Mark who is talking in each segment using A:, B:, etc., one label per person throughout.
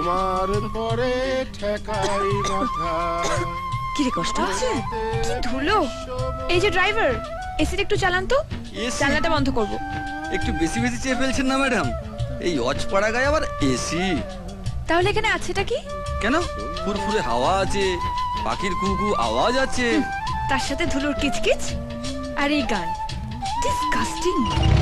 A: তোমার পরে ঠেকাই মাথা।
B: কি রে, কষ্ট হচ্ছে? কি ধুলো! এই যে ড্রাইভার, এসিটা একটু চালান তো। জানলাটা বন্ধ করব।
C: একটু বেশি বেশি চেয়ে ফেলছেন না ম্যাডাম? এই অজপাড়া গায়ে আবার এসি।
B: তাহলে এখানে আছেটা কি?
C: কেন? ফুরফুরে হাওয়া আছে, পাখির কুকু আওয়াজ আছে,
B: তার সাথে ধুলোর কিচকিচ আর এই গান। ডিসকাস্টিং।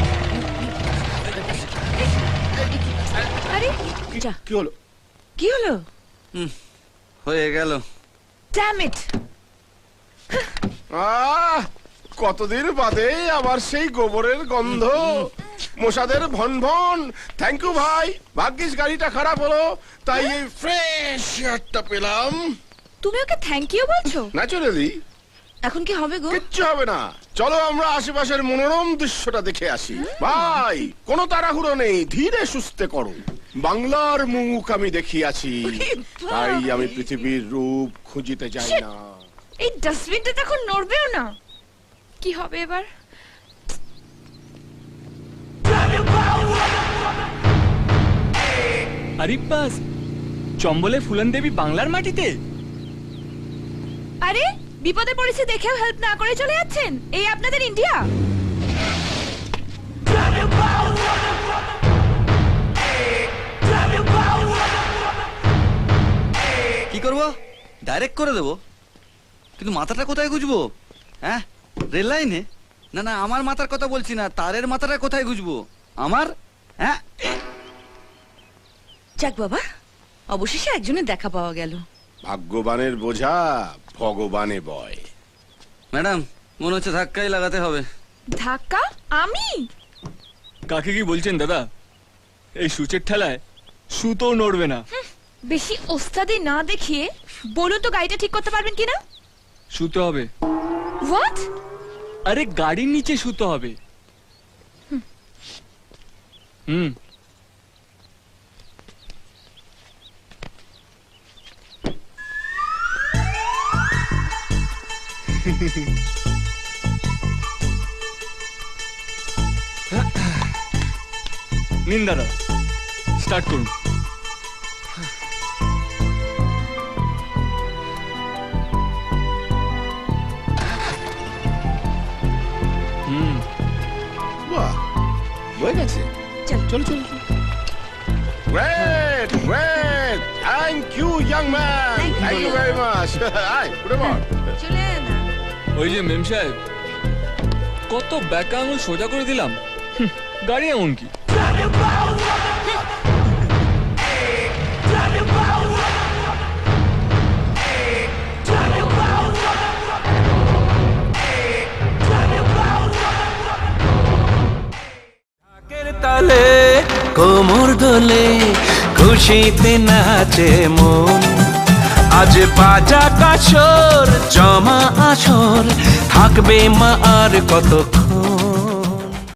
B: আরে যা,
A: কি হলো?
B: কি হলো?
C: হয়ে গেল।
B: Damn it!
A: কতদিন বাদে আবার সেই গোবরের গন্ধ, মশাদের ভন ভন। থ্যাংক ইউ ভাই, ভাগ্যিস গাড়িটা খারাপ হলো, তাই এই ফ্রেশ এয়ারটা পেলাম।
B: তুমি ওকে থ্যাংক ইউ বলছো?
A: ন্যাচুরালি।
B: এখন কি হবে গো?
A: কিচ্ছু হবে না, চলো আমরা আশেপাশের মনোরম দৃশ্যটা দেখে আসি। ভাই, কোনো তাড়াহুড়ো নেই, ধীরে সুস্থে করো। বাংলার মুখ আমি দেখিয়াছি, তাই আমি পৃথিবীর রূপ খুঁজিতে যাই না।
B: এই ডাস্টবিনটা এখন নড়বেও না। কি হবে এবার?
D: আরিব্বাস, চম্বলে ফুলন দেবী বাংলার মাটিতে?
B: আরে বিপদে পড়েছে দেখেও হেল্প না করে চলে যাচ্ছেন। এই আপনাদের ইন্ডিয়া?
C: কি করবো? ডাইরেক্ট করে দেবো, কিন্তু মাথাটা কোথায় গুজবো? হ্যাঁ, রেল লাইনে? না না, আমার মাথার কথা বলছি না, তারের মাথাটা কোথায় গুজবো আমার? হ্যাঁ,
E: যাক বাবা, অবশেষে একজনের দেখা পাওয়া গেল।
A: ভাগ্যবানের বোঝা ভগবানে বয়।
C: ম্যাডাম মনে হচ্ছে ধাক্কাই লাগাতে হবে।
B: ধাক্কা? আমি?
D: কাকে কি বলছেন দাদা? এই সূচের ঠেলায় সুতো নড়বে না।
B: বেশি ওস্তাদি না দেখিয়ে বলুন তো, গাড়িটা ঠিক করতে পারবেন কিনা?
D: শুতে হবে।
B: হোয়াট?
D: আরে গাড়ির নিচে শুতে হবে। হুম। নিন দাদা, স্টার্ট করুন।
A: বাহ, হয়ে গেছে। চলো চলো। Great great, thank you young man, thank you very much. আই উঠে পড়।
E: চলে না।
D: ওই যে মেম সাহেব, কত ব্যাকা আঙুল সোজা করে দিলাম। গাড়ি এমন কি?
F: তালে কোমর দোলে খুশিতে নাচে মন, আজ বাজা কাছর জমা আসর থাকবে মা আর কতক্ষণ।